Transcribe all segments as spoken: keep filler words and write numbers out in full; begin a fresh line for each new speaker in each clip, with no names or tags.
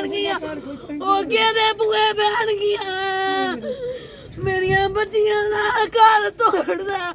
ਪੈਣਗੀਆਂ ਉਹ ਕਿਹਦੇ ਬੂਏ ਪੈਣਗੀਆਂ ਮੇਰੀਆਂ ਬੱਚੀਆਂ ਦਾ ਘਰ ਤੋੜਦਾ।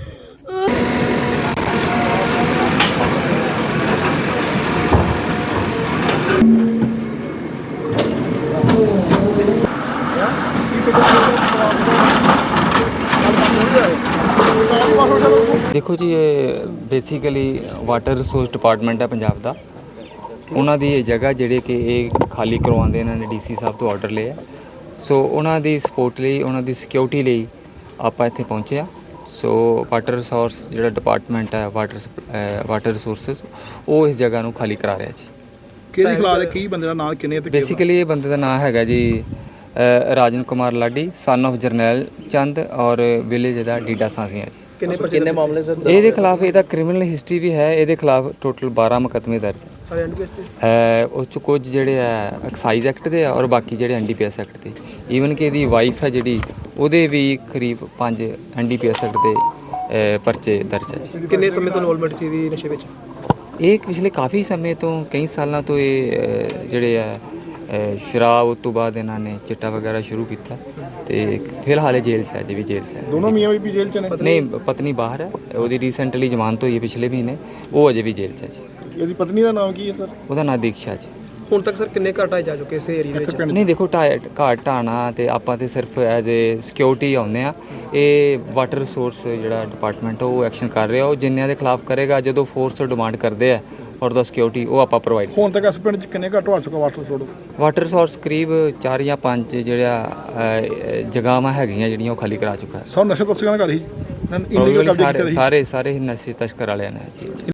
देखो जी, ये बेसिकली वाटर रिसोर्स डिपार्टमेंट है पंजाब का। उन्होंने ये जगह ਜਿਹੜੇ ਕਿ ਇਹ ਖਾਲੀ ਕਰਵਾਉਂਦੇ ਇਹਨਾਂ ਨੇ ਡੀਸੀ ਸਾਹਿਬ ਤੋਂ ਆਰਡਰ ਲਿਆ। ਸੋ ਉਹਨਾਂ ਦੀ ਸਪੋਰਟ ਲਈ, ਉਹਨਾਂ ਦੀ ਸਿਕਿਉਰਿਟੀ ਲਈ ਆਪਾਂ ਇੱਥੇ ਪਹੁੰਚੇ ਆ। ਸੋ ਵਾਟਰ ਰਿਸੋਰਸ ਜਿਹੜਾ ਡਿਪਾਰਟਮੈਂਟ ਹੈ, ਵਾਟਰ ਵਾਟਰ ਰਿਸੋਰਸਿਸ, ਉਹ ਇਸ ਜਗ੍ਹਾ ਨੂੰ ਖਾਲੀ ਕਰਾ ਰਿਹਾ ਜੀ।
ਕਿਹਦੇ ਖਿਲਾਫ ਕੀ ਬੰਦੇ ਦਾ ਨਾਮ ਕਿੰਨੇ ਤੇ
ਬੇਸਿਕਲੀ ਇਹ ਬੰਦੇ ਦਾ ਨਾਮ ਹੈਗਾ ਜੀ ਰਾਜਨ ਕੁਮਾਰ ਲਾਡੀ, ਸਨ ਆਫ ਜਰਨੈਲ ਚੰਦ, ਔਰ ਵਿਲੇਜ ਦਾ ਡੀਡਾ ਸਾਂਸੀਆਂ ਜੀ।
ਕਿੰਨੇ ਕਿੰਨੇ ਮਾਮਲੇ ਸਰ
ਇਹਦੇ ਖਿਲਾਫ ਇਹਦਾ ਕ੍ਰਿਮੀਨਲ ਹਿਸਟਰੀ ਵੀ ਹੈ। ਇਹਦੇ ਖਿਲਾਫ ਟੋਟਲ ਬਾਰਾਂ ਮੁਕੱਦਮੇ ਦਰਜ ਹੈ।
ਸਾਰੇ ਐਨਡੀਪੀਐਸ ਤੇ
ਹੈ ਉਸ 'ਚ ਕੁਝ ਜਿਹੜੇ ਹੈ ਐਕਸਾਈਜ਼ ਐਕਟ ਦੇ ਆ, ਔਰ ਬਾਕੀ ਜਿਹੜੇ ਐਨਡੀਪੀਐਸ ਐਕਟ ਦੇ। ਈਵਨ ਕਿ ਇਹਦੀ ਵਾਈਫ ਹੈ ਜਿਹੜੀ, ਉਹਦੇ ਵੀ ਕਰੀਬ ਪੰਜ ਐਨਡੀਪੀਐਸ ਐਕਟ ਦੇ ਪਰਚੇ ਦਰਜ ਹੈ ਜੀ।
ਕਿੰਨੇ ਸਮੇਂ ਤੋਂ ਇਨਵੋਲਵਮੈਂਟ ਸੀ ਇਹਦੀ ਨਸ਼ੇ ਵਿੱਚ?
ਇਹ ਪਿਛਲੇ ਕਾਫੀ ਸਮੇਂ ਤੋਂ, ਕਈ ਸਾਲਾਂ ਤੋਂ ਇਹ ਜਿਹੜੇ ਹੈ ਸ਼ਰਾਬ, ਉਸ ਤੋਂ ਬਾਅਦ ਇਹਨਾਂ ਨੇ ਚਿੱਟਾ ਵਗੈਰਾ ਸ਼ੁਰੂ ਕੀਤਾ ਤੇ ਫਿਲਹਾਲ ਇਹ ਜੇਲ੍ਹ 'ਚ ਹੈ, ਅਜੇ ਵੀ ਜੇਲ੍ਹ 'ਚ ਹੈ।
ਦੋਨੋਂ ਮੀਆਂ ਬੀਬੀ ਜੇਲ੍ਹ 'ਚ ਨੇ?
ਨਹੀਂ, ਪਤਨੀ ਬਾਹਰ ਹੈ, ਉਹਦੀ ਰੀਸੈਂਟਲੀ ਜ਼ਮਾਨਤ ਹੋਈ ਹੈ ਪਿਛਲੇ ਮਹੀਨੇ, ਉਹ ਅਜੇ ਵੀ ਜੇਲ੍ਹ 'ਚ ਹੈ ਜੀ।
ਇਹਦੀ ਪਤਨੀ ਦਾ ਨਾਮ ਕੀ ਹੈ ਸਰ?
ਉਹਦਾ ਨਾਂ ਦੀਕਸ਼ਾ ਜੀ।
ਹੁਣ ਤੱਕ ਸਰ ਕਿੰਨੇ ਘਰ ਢਾਏ ਜਾ ਚੁੱਕੇ ਇਸ ਏਰੀਆ ਦੇ ਵਿੱਚ?
ਨਹੀਂ ਦੇਖੋ, ਢਾਹ ਘਾਟ ਢਾਣਾ ਤੇ ਆਪਾਂ ਤੇ ਸਿਰਫ ਐਜ਼ ਏ ਸਿਕਿਉਰਿਟੀ ਆਉਂਦੇ ਆ। ਇਹ ਵਾਟਰ ਰਿਸੋਰਸ ਜਿਹੜਾ ਡਿਪਾਰਟਮੈਂਟ ਉਹ ਐਕਸ਼ਨ ਕਰ ਰਿਹਾ, ਉਹ ਜਿੰਨਿਆਂ ਦੇ ਖਿਲਾਫ ਕਰੇਗਾ, ਜਦੋਂ ਫੋਰਸ ਤੋਂ ਡਿਮਾਂਡ ਕਰਦੇ ਆ ਔਰ ਦਾ ਸਿਕਿਉਰਿਟੀ, ਉਹ ਆਪਾਂ ਪ੍ਰੋਵਾਈਡ।
ਹੁਣ ਤੱਕ ਇਸ ਪਿੰਡ 'ਚ ਕਿੰਨੇ ਘਰ ਢਵਾ ਚੁੱਕਾ ਵਾਟਰ ਰਿਸੋਰਸ?
ਵਾਟਰ ਰਿਸੋਰਸ ਕਰੀਬ ਚਾਰ ਜਾਂ ਪੰਜ ਜਿਹੜਾ ਜਗ੍ਹਾਵਾਂ ਹੈਗੀਆਂ ਜਿਹੜੀਆਂ ਉਹ ਖਾਲੀ ਕਰਾ ਚੁੱਕਾ ਹੈ।
ਸਭ ਨਸ਼ਾ ਤਸਕਰਾਂ ਘਰ ਹੀ
ਸਾਰੇ ਸਾਰੇ ਨਸ਼ੇ ਤਸਕਰ ਵਾਲਿਆਂ ਨੇ ਜੀ।